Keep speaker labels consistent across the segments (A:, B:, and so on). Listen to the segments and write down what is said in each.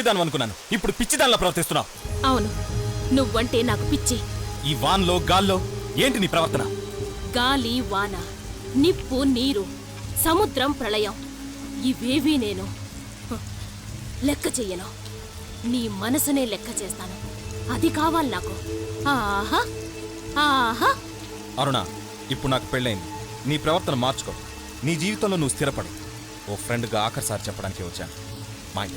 A: మొండిదాను అనుకున్నాను, ఇప్పుడు పిచ్చిదానిలా ప్రవర్తిస్తున్నావు.
B: అవును, నువ్వంటే నాకు పిచ్చి.
A: ఈ వాన్లో గాల్లో ఏంటి నీ ప్రవర్తన?
B: గాలి వాన, నిప్పు నీరు, సముద్రం ప్రళయం ఇవేవీ నేను లెక్క చెయ్యను. నీ మనసునే లెక్క చేస్తాను. అది కావాలి నాకు. ఆహా ఆహా.
A: అరుణ, ఇప్పుడు నాకు పెళ్ళైంది. నీ ప్రవర్తన మార్చుకో. నీ జీవితంలో నువ్వు స్థిరపడు. ఓ ఫ్రెండ్గా ఆఖరిసారి చెప్పడానికి వచ్చాను. మాయ.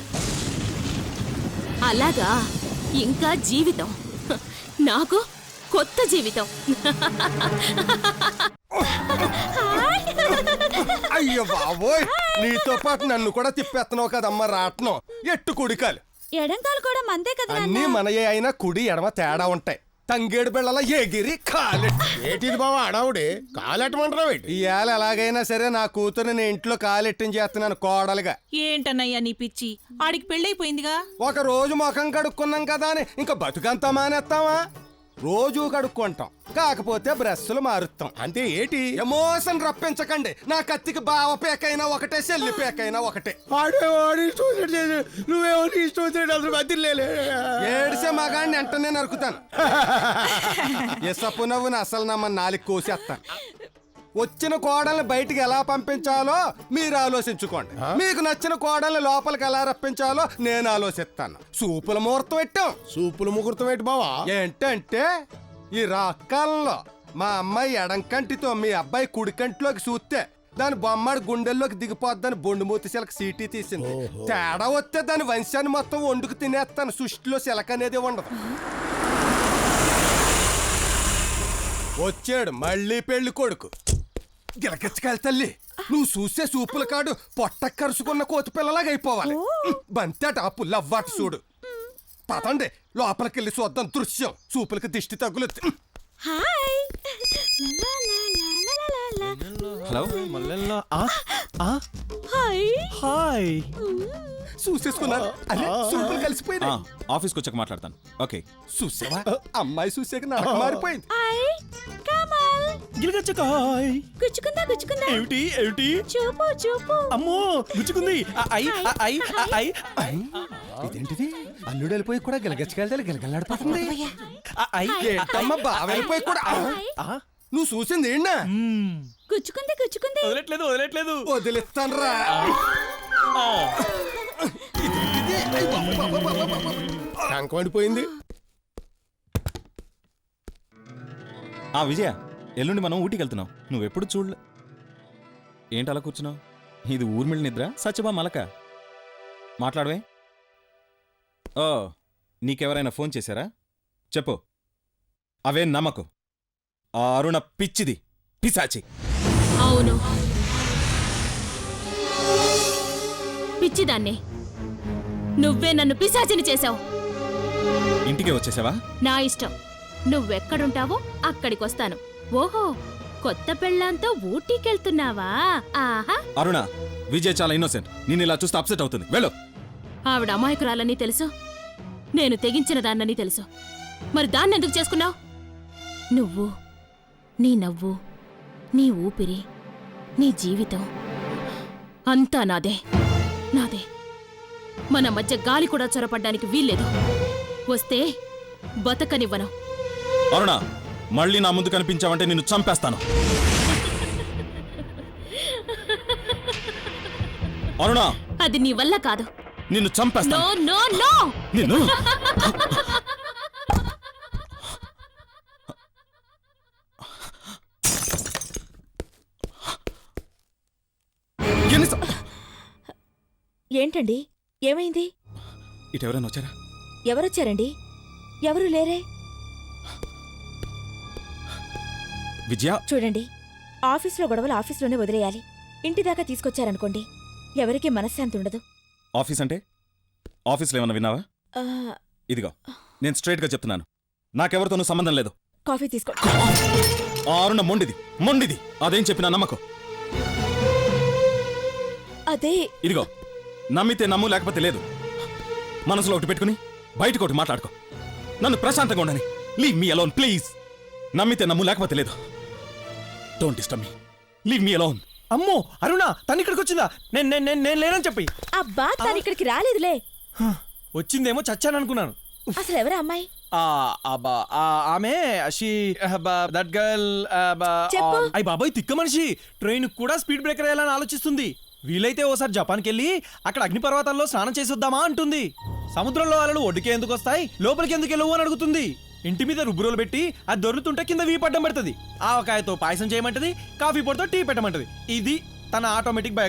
B: అలాగా, ఇంకా జీవితం నాకు కొత్త జీవితం.
C: అయ్యో బాబోయ్, నీతో పాటు నన్ను కూడా తిప్పేస్తున్నావు కదమ్మా రాట్నం. ఎట్టు కుడికాలు
D: ఎడంకాలు కూడా మందే కదా.
C: అన్నీ మనయే అయినా కుడి ఎడమ తేడా ఉంటాయి. తంగేడు బిళ్ళల ఎగిరి కాలెట్టు.
E: ఏటిది బావా అడావుడి కాలెట్టమంటావు?
C: ఇవాళ ఎలాగైనా సరే నా కూతురు నేను ఇంట్లో కాలెట్టిన చేస్తున్నాను కోడలుగా.
D: ఏంటన్నయ్యా నీ పిచ్చి? ఆడికి పెళ్ళైపోయిందిగా.
C: ఒక రోజు ముఖం కడుక్కున్నాం కదా అని ఇంకా బతుకంతా మానేస్తావా? రోజు కడుక్కుంటాం, కాకపోతే బ్రష్లు మారుస్తాం.
E: అంతే ఏటి?
C: ఎమోషన్ రప్పించకండి. నా కత్తికి బావ పేకైనా ఒకటే, చెల్లి పేకైనా ఒకటే.
E: నువ్వేమో ఇష్టం వచ్చినట్టు అసలు బతిలే.
C: ఏడిసే మగాడిని వెంటనే నరుకుతాను. ఎసపు నవ్వుని అసలు నమ్మ నాలుగు కోసేస్తాను. వచ్చిన కోడల్ని బయటికి ఎలా పంపించాలో మీరు ఆలోచించుకోండి. మీకు నచ్చిన కోడల్ని లోపలికి ఎలా రప్పించాలో నేను ఆలోచిస్తాను. సూపుల ముహూర్తం పెట్టాం.
E: సూపులు ముహూర్తం ఏంటి బావా?
C: ఏంటంటే ఈ రాకాలంలో మా అమ్మాయి ఎడంకంటితో మీ అబ్బాయి కుడికంటిలోకి చూస్తే దాని బొమ్మడి గుండెల్లోకి దిగిపోద్దని బొండుమూతి శిలక సీటీ తీసింది. తేడా వస్తే దాని వంశాన్ని మొత్తం వండుకు తినేస్తాను. సృష్టిలో శిలక అనేది ఉండదు. వచ్చాడు మళ్ళీ పెళ్లి కొడుకు. గిలకెచ్చకాయలు తల్లి, నువ్వు చూసే సూపుల కాడు పొట్ట కరుసుకున్న కోతి పిల్లలాగా అయిపోవాలి. బంతేట ఆ పుల్లవ్వాటి చూడు. పదండి లోపలికెళ్ళి చూద్దాం దృశ్యం. సూపులకి దిష్టి తగులు.
A: హలో.
E: హాయ్.
C: చూసేసుకున్నారు. అరే సూపులు కలిసిపోయింది.
A: ఆఫీస్కి వచ్చాక మాట్లాడతాను. ఓకే.
C: చూసావా, అమ్మాయి చూసాక నడక మారిపోయింది.
D: గుచ్చుకుందా గుచ్చుకుందా?
E: ఏమిటి ఏమిటి?
D: చూపు చూపు.
E: అమ్మో గుచ్చుకుంది.
C: ఇదేంటిది, అల్లుడు వెళ్ళిపోయి కూడా గిలగచ్చకాయలు గిలగలాడిపోతుంది. ఏంటమ్మా బావ వెళ్ళిపోయి కూడా నువ్వు చూసింది ఏంటా?
D: గుచ్చుకుంది గుచ్చుకుంది.
E: వదలట్లేదు వదలట్లేదు.
C: వదిలిస్తానరా.
E: కంకమండిపోయింది.
A: విజయ, ఎల్లుండి మనం ఊటీకి వెళ్తున్నాం. నువ్వెప్పుడు చూడలే. ఏంటి అలా కూర్చున్నావు? ఇది ఊర్మిళ నిద్ర, సత్యభా మలక. మాట్లాడవే. ఓ, నీకెవరైనా ఫోన్ చేశారా? చెప్పు. అవే నమ్మకు. ఆ అరుణ పిచ్చిది, పిశాచి.
B: అవును, పిచ్చిదాన్ని. నువ్వే నన్ను పిశాచిని చేశావు.
A: ఇంటికే వచ్చేసావా?
B: నా ఇష్టం. నువ్వెక్కడుంటావో అక్కడికొస్తాను. ఓహో, కొత్త పెళ్ళాంతో ఊటీకెళ్తున్నావా? ఆహా.
A: అరుణ, విజయ్ చాలా ఇన్నోసెంట్. నేను ఇలా చూస్తే అప్సెట్ అవుతుంది. వెళ్ళు.
B: ఆవిడ అమాయకురాలని తెలుసు, నేను తెగించిన దాన్నని తెలుసు. మరి దాన్నెందుకు చేసుకున్నావు? నువ్వు, నీ నవ్వు, నీ ఊపిరి, నీ జీవితం అంతా నాదే నాదే. మన మధ్య గాలి కూడా చొరపడ్డానికి వీల్లేదు. వస్తే బతకనివ్వను.
A: అరుణ, మళ్ళీ నా ముందు కనిపించావంటే నిన్ను చంపేస్తాను. అరుణ,
B: అది నీ వల్ల కాదు.
A: నిన్ను చంపేస్తాను.
B: No no no.
A: నిన్ను
D: ఏంటండి, ఏమైంది?
A: ఇటు ఎవరైనా వచ్చారా?
D: ఎవరొచ్చారండి? ఎవరు లేరే.
A: విజయ,
D: చూడండి, ఆఫీస్లో గొడవలు ఆఫీస్లోనే వదిలేయాలి. ఇంటి దాకా తీసుకొచ్చారనుకోండి, ఎవరికీ మనశ్శాంతి ఉండదు.
A: ఆఫీస్ అంటే? ఆఫీస్లో ఏమన్నా విన్నావా? ఇదిగో, నేను స్ట్రైట్గా చెప్తున్నాను, నాకెవరితోనూ సంబంధం లేదు.
D: కాఫీ తీసుకో.
A: ఆ అరుణ మొండిది. అదేం చెప్పినా నమ్మకం.
D: అదే.
A: ఇదిగో, నమ్మితే నమ్ము, లేకపోతే లేదు. మనసులో ఒకటి పెట్టుకుని బయటకు ఒకటి మాట్లాడుకో. నన్ను ప్రశాంతంగా ఉండని. Leave me alone please. నమ్మితే నమ్ము, లేకపోతే లేదు. Don't disturb me. Leave me alone.
E: అమ్మో అరుణ, తను ఇక్కడికి వచ్చిందా? నేను లేనని చెప్పి.
D: అబ్బా, తను ఇక్కడికి రాలేదులే.
E: వచ్చిందేమో చచ్చాను అనుకున్నాను.
D: అసలు ఎవరు అమ్మాయి?
E: ఆమె దట్ గర్ల్
D: చెప్పు.
E: అయ్యి బాబాయ్ తిక్క మనిషి ట్రైన్ కూడా స్పీడ్ బ్రేకర్ వేయాలని ఆలోచిస్తుంది. వీలైతే ఓసారి జపాన్కి వెళ్ళి అక్కడ అగ్నిపర్వతాల్లో స్నానం చేసి వద్దామా అంటుంది. సముద్రంలో అలలు ఒడ్డుకే ఎందుకు వస్తాయి, లోపలికి ఎందుకు వెళ్ళవు అని అడుగుతుంది. ఇంటి మీద రుబ్బురోలు పెట్టి అది దొరుకుతుంటే కింద వీపడ్డం పెడుతుంది. ఆవకాయతో పాయసం చేయమంటది, కాఫీ పొడితో టీ పెట్టమంటది. ఇది తన ఆటోమేటిక్